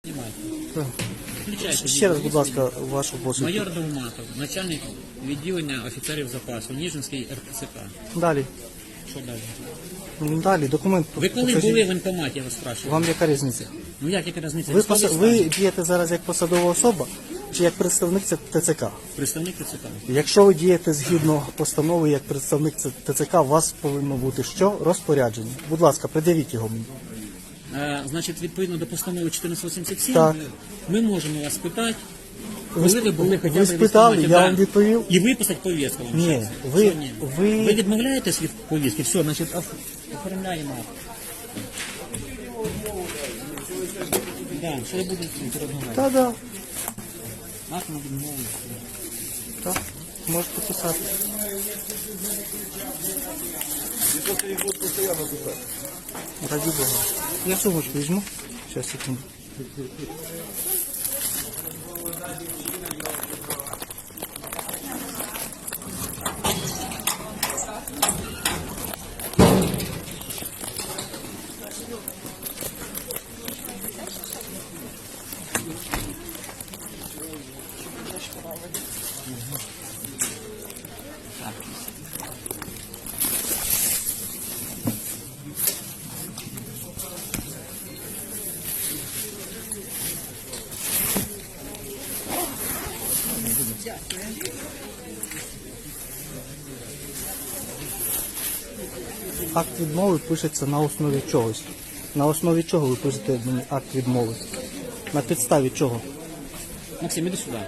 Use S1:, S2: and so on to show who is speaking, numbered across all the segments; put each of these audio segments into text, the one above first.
S1: Так.
S2: Включайте.
S1: Ще раз, будь ласка, вашу посвідку.
S2: Майор Довматов, начальник відділення офіцерів запасу, Ніжинський РТЦК.
S1: Далі.
S2: Що далі?
S1: Далі, документ.
S2: Ви коли
S1: покажіть.
S2: були в воєнкоматі, я вас спрашиваю?
S1: Вам яка різниця?
S2: Ну яка різниця?
S1: Ви,
S2: Військовий
S1: ви
S2: стан.
S1: дієте зараз як посадова особа чи як представник ТЦК?
S2: Представник ТЦК.
S1: Якщо ви дієте згідно постанови як представник ТЦК, у вас повинно бути що? Розпорядження. Будь ласка, пред'явіть його мені.
S2: Значить, відповідно до постанови 1487,
S1: Так.
S2: ми можемо вас питати,
S1: Ви
S2: коли ви були хоча б
S1: ви
S2: в
S1: спитали,
S2: військкоматі,
S1: я
S2: да.
S1: вам відповів.
S2: І виписати повістку вам.
S1: Ні,
S2: щас.
S1: ви-
S2: Що ні?
S1: ви-
S2: Ви відмовляєтесь від повістки? Все, значить, оформляємо. Да, що я буду розмовляти?
S1: Так, так.
S2: Акт на відмову.
S1: Так, можете писати. Раді Бога. Я сумочку візьму. Сейчас, секунду. Акт відмови пишеться на основі чогось. На основі чого ви пишете мені акт відмови? На підставі чого?
S2: Максим, іди сюди.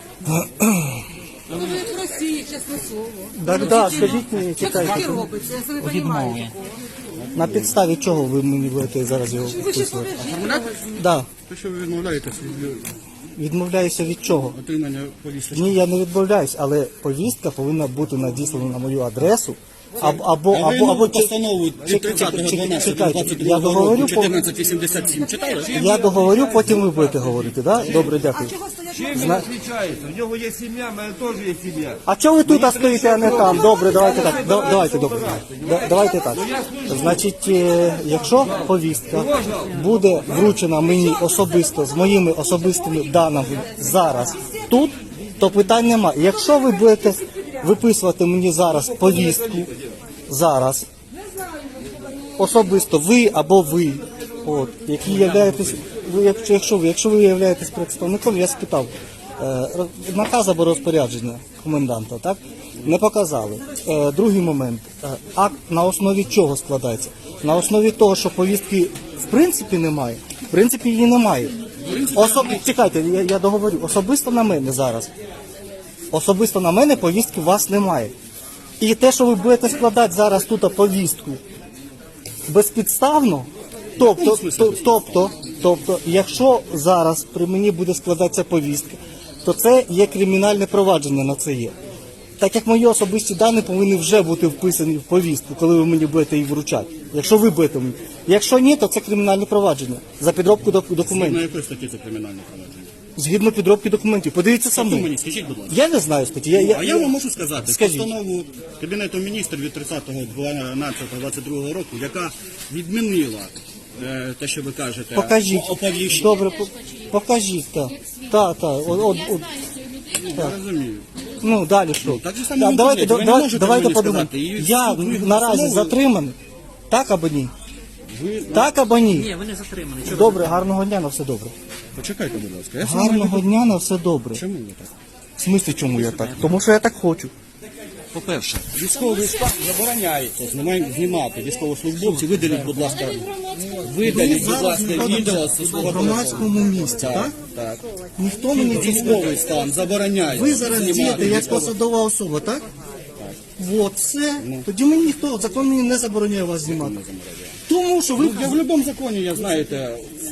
S3: Ну ви в Росії, чесне слово.
S1: Так, так, скажіть мені,
S3: Що таке
S1: чекайте.
S3: робиться? Я собі
S2: Відмови.
S3: розумію.
S1: На підставі чого ви мені будете зараз його
S3: Ви ще
S1: вписувати?
S3: повержіть.
S1: Да.
S4: То, що ви відмовляєтесь від
S1: Відмовляюся від чого?
S4: отримання повістки.
S1: Ні, я не відмовляюсь, але повістка повинна бути надіслана на мою адресу. Або
S4: постанову від
S1: чекайте,
S4: 30.12.22
S1: я договорю,
S4: року 1487 читали?
S1: я договорю, потім ви будете говорити, да? Добре, дякую.
S3: Чого стоять?
S5: Чим він відрізняється? В нього є сім'я, в мене теж є сім'я.
S1: А чого ви тут стоїте, а не там? Добре, давайте так. Давайте добре. Давайте так. Значить, якщо повістка буде вручена мені особисто з моїми особистими даними зараз тут, то питань немає. Якщо ви будете виписувати мені зараз повістку, зараз, особисто ви або ви, от, які являєтесь, якщо ви являєтесь представником, я спитав, наказ або розпорядження коменданта, так? Не показали. Другий момент. Акт на основі чого складається? На основі того, що повістки в принципі немає. В принципі її немає. Чекайте, я договорю. Особисто на мене зараз. Особисто на мене повістки у вас немає. І те, що ви будете складати зараз тут повістку безпідставно, тобто, якщо зараз при мені буде складатися повістка, то це є кримінальне провадження на це є. Так як мої особисті дані повинні вже бути вписані в повістку, коли ви мені будете її вручати. Якщо ви будете мені. Якщо ні, то це кримінальне провадження за підробку
S4: На
S1: документів.
S4: якої статті це кримінальне провадження?
S1: Згідно підробки документів. Подивіться
S4: Хто
S1: самі.
S4: мені, скажіть, будь ласка.
S1: Я не знаю статті.
S4: А я вам можу сказати,
S1: Скажіть.
S4: постанову Кабінету міністрів від 30.12.22 року, яка відмінила те, що ви кажете,
S1: Покажіть.
S4: оповіщення.
S1: Добре, покажіть, так. Так.
S4: Я розумію.
S1: Ну, далі що?
S4: Так же само в
S1: Давайте,
S4: інтернеті. Ви не можете
S1: давайте
S4: мені
S1: подумаємо.
S4: сказати. І
S1: Я
S4: суд
S1: наразі
S4: постановою-
S1: затриманий. Так або ні?
S4: Ви...
S1: Так або ні?
S2: Ні, ви не затримані. Чого
S1: Добре, гарного дня, на все добре.
S4: Почекайте, будь ласка. Я сам
S1: Гарного дня, на все добре.
S4: Чому ви так?
S1: В смислі, чому я так? Тому що я так хочу.
S4: По-перше, військовий стан забороняється знімати військовослужбовців. Видаліть, будь ласка, відео зі свого
S1: в громадському місці, так?
S4: Так.
S1: Ніхто мені це
S4: Військовий стан забороняє.
S1: Ви зараз
S4: знімати
S1: дієте як
S4: військово-
S1: посадова особа, так? От, все. Тоді мені ніхто, закон мені не забороняє вас знімати. Тому що ви...
S4: Я в будь-якому законі, я знаєте,